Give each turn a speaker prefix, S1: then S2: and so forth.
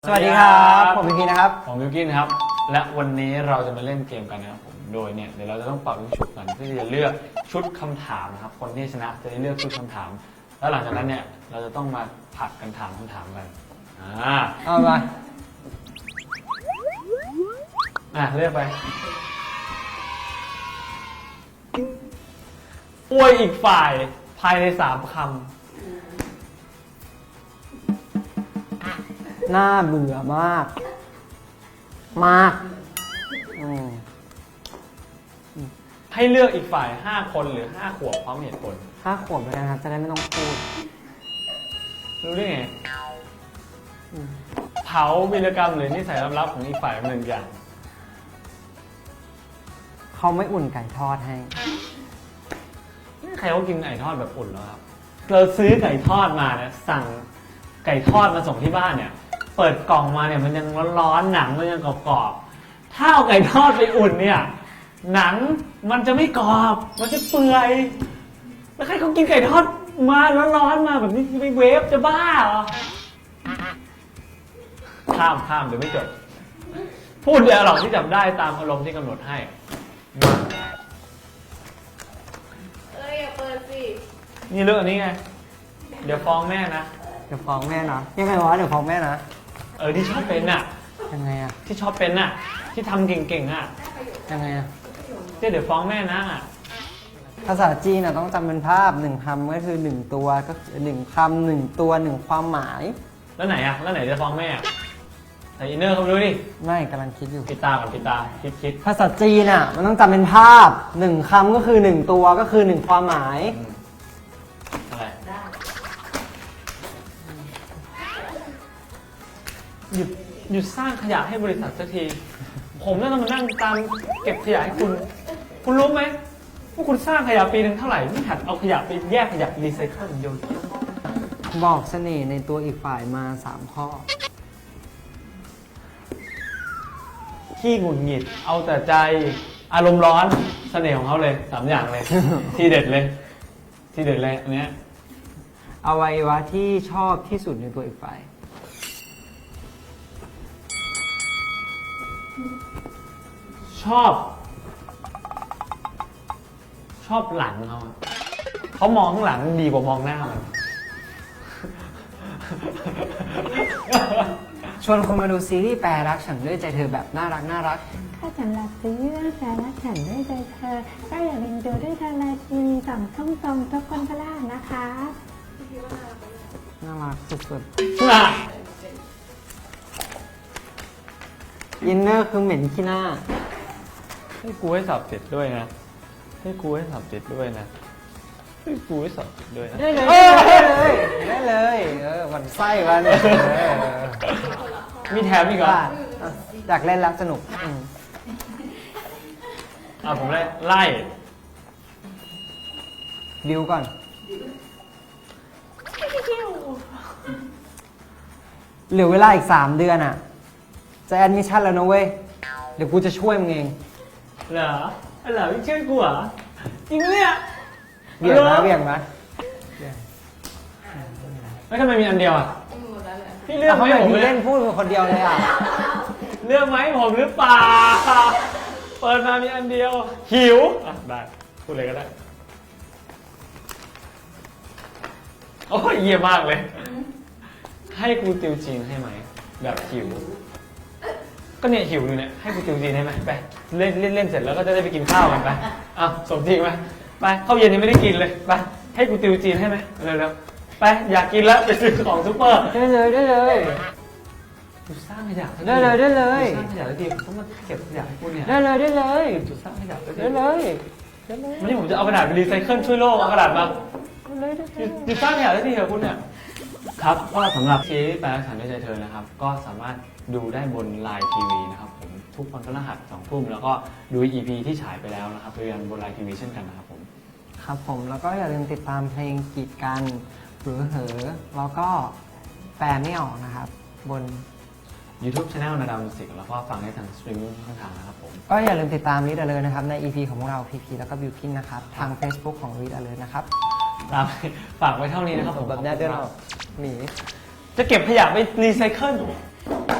S1: สวัสดีครับผมพีพีนะครับ
S2: ผมบิวกินครับและวันนี้เราจะมาเล่นเกมกันนะครับผมโดยเนี่ยเดี๋ยวเราจะต้องเป่าลูกชุบกันเพื่อที่จะเลือกชุดคำถามนะครับคนที่ชนะจะได้เลือกชุดคำถามแล้วหลังจากนั้นเนี่ยเราจะต้องมาผัดกันถามคำถามกัน
S1: เอามา
S2: เลือกไปอวยอีกฝ่ายภายใน3 คำ
S1: น่าเบื่อมาก
S2: ให้เลือกอีกฝ่าย5 คนหรือ5 ขวบพร้อมเหตุผล
S1: 5 ขวบแล้วกันครับจะได้ไม่ต้องพูด
S2: รู้ได้ไงเผาวีรกรรมหรือนิสัยลับๆของอีกฝ่าย1 อย่าง
S1: เขาไม่อุ่นไก่ทอดให้
S2: ใครเขากินไก่ทอดแบบอุ่นแล้วครับเราซื้อไก่ทอดมาเนี่ยสั่งไก่ทอดมาส่งที่บ้านเนี่ยเปิดกล่องมาเนี่ยมันยังร้อนๆหนังมันยังกรอบๆถ้าเอาไก่ทอดไปอุ่นเนี่ยหนังมันจะไม่กรอบมันจะเปื่อยแล้วใครเขากินไก่ทอดมาร้อนๆมาแบบนี้ไปเวฟจะบ้าเหรอข้ามเดี๋ยวไม่จบพูดเดียวหรอกที่จับได้ตามอารมณ์ที่กำหนดให้
S3: อย่าเปิดสิ
S2: นี่เรื่องอันนี้ไงเดี๋ยวฟ้องแม่นะ
S1: เดี๋ยวฟ้องแม่นะยังไงวะเดี๋ยวฟ้องแม่นะ
S2: ที่ชอบเป็นน่ะ
S1: ยังไงอะ
S2: ที่ชอบเป็นน่ะที่ทำเก่งๆอ่ะ
S1: ยังไงอะ
S2: เดี๋ยวฟ้องแม่นะ
S1: ภาษาจีนต้องจำเป็นภาพ1 คำก็คือ1 ตัวก็1 คำ 1 ตัว1 ความหมาย
S2: แล้วไหนจะฟ้องแม่ใส่อินเนอร์เข้าไปดูดิ
S1: ไม่กำลังคิดอยู่
S2: ปิดตาก่อนปิดตาคิด
S1: ภาษาจีนมันต้องจำเป็นภาพ1 คำก็คือ1 ตัวก็คือ1 ความหมาย
S2: อะไรหยุดสร้างขยะให้บริษัทสักทีผมน่าจะมานั่งตามเก็บขยะให้คุณรู้ไหมว่าคุณสร้างขยะปีนึงเท่าไหร่ไม่หัดเอาขยะไปแยกขยะรีไซเคิลโยน
S1: บอกเสน่ห์ในตัวอีกฝ่ายมา3 ข้อ
S2: ขี้หงุดหงิดเอาแต่ใจอารมณ์ร้อนเสน่ห์ของเขาเลย3 อย่างเลย ที่เด็ดเลยอันเนี้ย
S1: อวัยวะที่ชอบที่สุดในตัวอีกฝ่าย
S2: ชอบหลังเขามองข้างหลังดีกว่ามองหน้ามัน
S1: ชวนคนมาดูซีรีส์แปรรักฉันด้วยใจเธอแบบน่ารัก
S3: ถ้าฉันรักซีรีส์เรื่องแฟนรักฉันด้วยใจเธอก็อย่าลืมดูด้วยทางไลน์ทีวี2 ช่องตรงทุกคนพลาดนะคะ
S1: น่ารักสุดๆอินเนอร์คือเหม็นขี้หน้า
S2: ให้กูให้สอบเสร็จด้วยนะได้
S1: เลยวันไส้วัน
S2: มีแถมอีกเหรอ
S1: อยากเล่นแล้วสนุก
S2: ผมไล่
S1: ดิวก่อนเหลือเวลาอีก3 เดือนจะแอดมิชชั่นแล้วนะเว้ยเดี๋ยวกูจะช่วยมึงเอง
S2: เหรอพี่ช่วยกูเหรอจริงเนี่ย
S1: เบี่ยงไหม
S2: ไม่ทำไมมีอันเดียวพี่เลือกไหมผม
S1: เล่นพูดคนเดียวเลย
S2: เลือกไหมผมหรือเปล่าเปิดมามีอันเดียวหิวได้พูดเลยก็ได้โอ้ยเยี่ยมมากเลยให้กูติวจีนให้ไหมแบบหิวก็เนี่ยหิวอยู่เนี่ยให้กูติวจีนให้ไหมไปเล่นเสร็จแล้วก็จะได้ไปกินข้าวกันไปสมจริงไหมไปข้าวเย็นยังไม่ได้กินเลยไปให้กูติวจีนให้ไหมเร็วๆไปอยากกินแล้วไปซื้อของซุปเปอร์
S1: ได้เลย
S2: จุดสร้างขยะ
S1: ได้เลย
S2: จุดสร้างขยะแล้วดีผมต้องมาเก็บขยะให้คุณเนี่ย
S1: ได้เลย
S2: จุดสร้างขยะ
S1: ได้เลย
S2: วันนี้ผมจะเอากระดาษไปรีไซเคิลช่วยโลกเอากระดาษมาจุดสร้างขยะได้ดีเหรอคุณเนี่ยครับก็สำหรับซีรีส์แปลรักฉันด้วยใจเธอนะครับก็สามารถดูได้บน LINE TV นะครับผมทุกวันพฤหัส2 ทุ่มแล้วก็ดู EP ที่ฉายไปแล้วนะครับเรียนบน LINE TV เช่นกันนะครับผม
S1: ครับผมแล้วก็อย่าลืมติดตามเพลงกีดกันหรือเหอแล้วก็แปลไม่ออกนะครับบน
S2: YouTube Channel นาดาวมิวสิกแล้วก็ฟังได้ทางสตรีมมิ่งช่องทางนะครับผม
S1: ก็อย่าลืมติดตามรีดเลยนะครับใน EP ของพวกเราพีพีแล้วก็บิวกินนะครับทาง Facebook ของรีดเลยนะครับ
S2: ฝากไว้เท่านี้นะครับผม
S1: แบบนี้เดินออกหนี
S2: จะเก็บขยะไปรีไซเคิล